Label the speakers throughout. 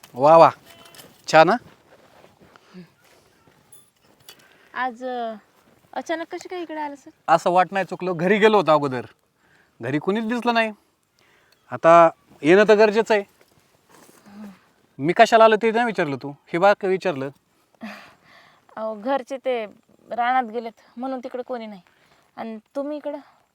Speaker 1: वा वा, छान.
Speaker 2: आज अचानक कशी काय इकडे आलं सर?
Speaker 1: असं वाट नाही चुकलं, घरी गेलो होतो अगोदर, घरी कुणीच दिसलं नाही. आता येणं तर गरजेचं आहे. मी कशाला आलो ते नाही विचारलं तू, हे बा का विचारलं.
Speaker 2: अहो घरचे ते रानात गेलेत म्हणून तिकडे कोणी नाही. आणि तुम्ही इकडं?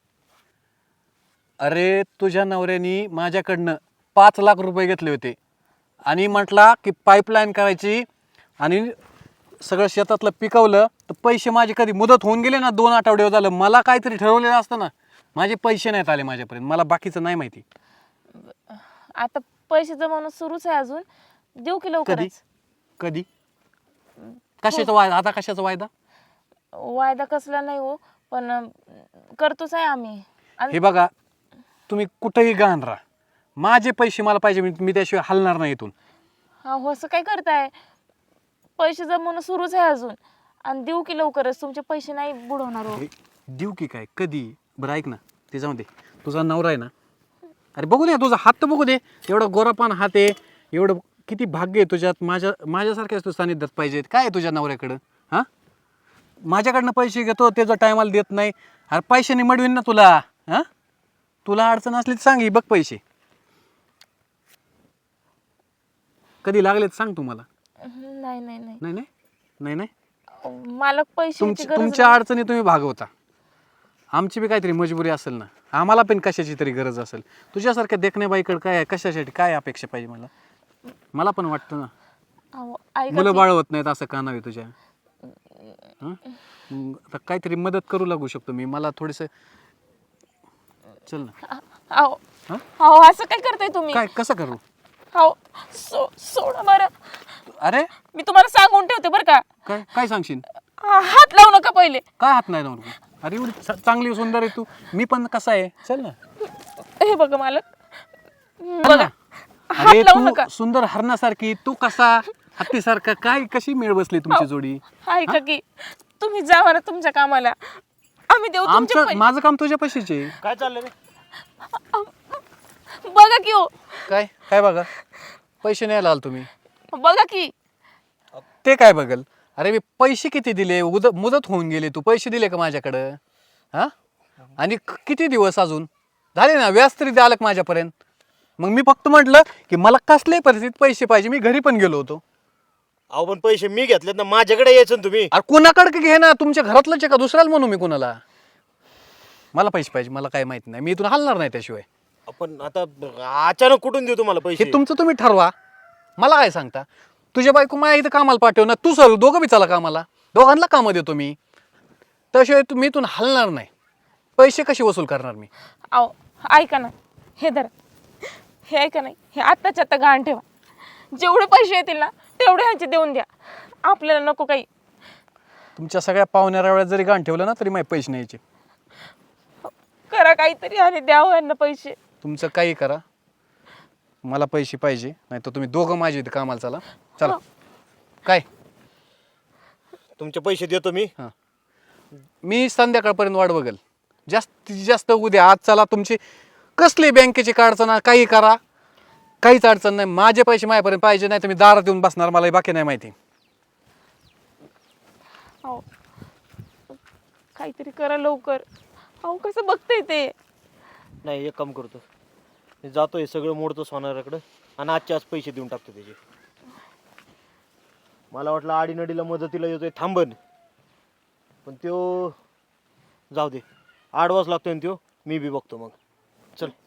Speaker 1: अरे तुझ्या नवऱ्यानी माझ्याकडनं 5 लाख रुपये घेतले होते आणि म्हटला की पाईपलाईन करायची आणि सगळं शेतातलं पिकवलं तर पैसे माझे कधी मुदत होऊन गेले ना, 2 आठवडे झालं. मला काहीतरी ठरवलेलं असतं ना, माझे पैसे नाहीत आले माझ्यापर्यंत. मला बाकीचं नाही माहिती.
Speaker 2: आता पैसे जमवणं सुरूच आहे अजून. देऊ की
Speaker 1: कधी
Speaker 2: लवकरच?
Speaker 1: कधी कशाचा वायदा? आता कशाचा वायदा?
Speaker 2: वायदा कसला नाही हो, पण करतोच आहे आम्ही.
Speaker 1: हे बघा, तुम्ही कुठेही गहाण राहा, माझे पैसे मला पाहिजे. मी त्याशिवाय हलणार नाही इथून.
Speaker 2: हो असं काय करताय? पैसे जमवणं सुरूच आहे अजून. आणि देऊ की लवकरच, तुमचे पैसे नाही बुडवणार हो.
Speaker 1: देऊ की काय? कधी? बरं ऐक ना, ते जाऊ दे. तुझा नवरा आहे ना, अरे बघू दे, तुझा हात तर बघू दे. एवढा गोरापान हात आहे, एवढं किती भाग्य आहे तुझ्यात. माझ्यासारख्याच तू सानिध्यात पाहिजेत. काय आहे तुझ्या नवऱ्याकडं? हां, माझ्याकडनं पैसे घेतो, त्याचा टायमाला देत नाही. अरे पैशाने मिळवीन ना तुला. हां, तुला अडचण असली तर सांग, बघ पैसे कधी लागलेत सांग तू मला.
Speaker 2: नाही नाही नाही
Speaker 1: नाही नाही नाही नाही,
Speaker 2: मालक, पैशाची गरज
Speaker 1: तुमच्या
Speaker 2: नाही.
Speaker 1: अडचणी तुम्ही भागवता. आमची बी काहीतरी मजबुरी असेल ना, आम्हाला पण कशाची तरी गरज असेल. तुझ्यासारख्या देखण्याबाईकडे काय आहे, कशासाठी काय अपेक्षा पाहिजे मला? मला पण वाटतं ना,
Speaker 2: अहो, ऐका
Speaker 1: मुलं
Speaker 2: की.
Speaker 1: बाळ होत नाहीत असं कानावे तुझ्या. हं? मग आता काहीतरी मदत करू लागू शकतो मी. मला थोडस चल ना.
Speaker 2: अहो
Speaker 1: हं?
Speaker 2: अहो, असं काय करताय तुम्ही?
Speaker 1: काय कसं करू?
Speaker 2: अहो सोडा बरं.
Speaker 1: अरे
Speaker 2: मी तुम्हाला सांगून ठेवते बरं का.
Speaker 1: काय काय सांगशील?
Speaker 2: हात लावू नका पहिले.
Speaker 1: काय हात नाही लावून? अरे एवढी चांगली सुंदर आहे तू, मी पण कसा आहे. चल ना.
Speaker 2: हे बघा मालक,
Speaker 1: चल
Speaker 2: बघा,
Speaker 1: ना.
Speaker 2: हात
Speaker 1: अरे
Speaker 2: लावू नका.
Speaker 1: तू सुंदर हरणासारखी, तू कसा हत्तीसारखा, काय कशी मेळ बसली तुमची जोडी?
Speaker 2: ऐका की, तुम्ही जा बरं तुमच्या कामाला. आम्ही देऊ तुमचे
Speaker 1: आमचं माझं काम तुझ्या पैशाचे.
Speaker 3: काय चाललंय रे?
Speaker 2: बघा की हो,
Speaker 1: काय काय बघा, पैसे नाही लाल तुम्ही.
Speaker 2: बघा की.
Speaker 1: ते काय बघल? अरे मी पैसे किती दिले, मुदत होऊन गेले, तू पैसे दिले का माझ्याकडं? हा, आणि किती दिवस अजून झाले ना, व्याज तरी द्याल का माझ्यापर्यंत? मग मी फक्त म्हटलं की मला कसल्याही परिस्थितीत पैसे पाहिजे. मी घरी पण गेलो होतो.
Speaker 3: अहो पण पैसे मी घेतलेत ना, माझ्याकडे यायचं ना तुम्ही.
Speaker 1: अरे कुणाकडे घे ना, तुमच्या घरातलंच आहे का दुसऱ्याला म्हणू मी कुणाला? मला पैसे पाहिजे, मला काय माहिती नाही, मी इथून हलणार नाही त्याशिवाय.
Speaker 3: आपण आता अचानक कुठून देऊ तुम्हाला पैसे?
Speaker 1: हे तुमचं तुम्ही ठरवा, मला काय सांगता? तुझ्या बायको माझ्या इथं कामाला पाठव ना, तू सर दोघं बी चला कामाला, दोघांना कामं देतो मी. त्याशिवाय तुम्ही इथून हलणार नाही. पैसे कसे वसूल करणार मी?
Speaker 2: अहो ऐका ना, हे धरा, हे ऐका नाही, हे आत्ताच्या आत्ता गहाण ठेवा. जेवढे पैसे येतील ना तेवढे ह्याचे देऊन द्या. आपल्याला नको काही.
Speaker 1: तुमच्या सगळ्या पाहुण्या रावळ्यात जरी गाण ठेवलं ना तरी माझे पैसे न्यायचे.
Speaker 2: करा काहीतरी आणि द्यावं यांना पैसे.
Speaker 1: तुमचं काही करा, मला पैसे पाहिजे, नाही तर तुम्ही दोघं माझ्या इथं कामाला चला. चला. काय?
Speaker 3: तुमचे पैसे देतो मी.
Speaker 1: हां, मी संध्याकाळपर्यंत वाट बघेल. जास्तीत जास्त उद्या. आज चला, तुमची कसली बँकेची अडचण आहे, काही करा, काहीच अडचण नाही. माझे पैसे माझ्यापर्यंत पाहिजे, नाही तर मी दारात येऊन बसणार. मला बाकी नाही माहिती.
Speaker 2: अहो काहीतरी करा लवकर. अहो कसं बघताय ते.
Speaker 3: नाही, एक काम करतो, मी जातो, हे सगळं मोडतो सोनाराकडं आणि आजचे आज पैसे देऊन टाकतो त्याचे. मला वाटलं आडीनडीला मदतीला येतोय थांबन, पण त्यो जाऊ दे, आडवाच लागतोय ना त्यो. मी बी बघतो मग. चल.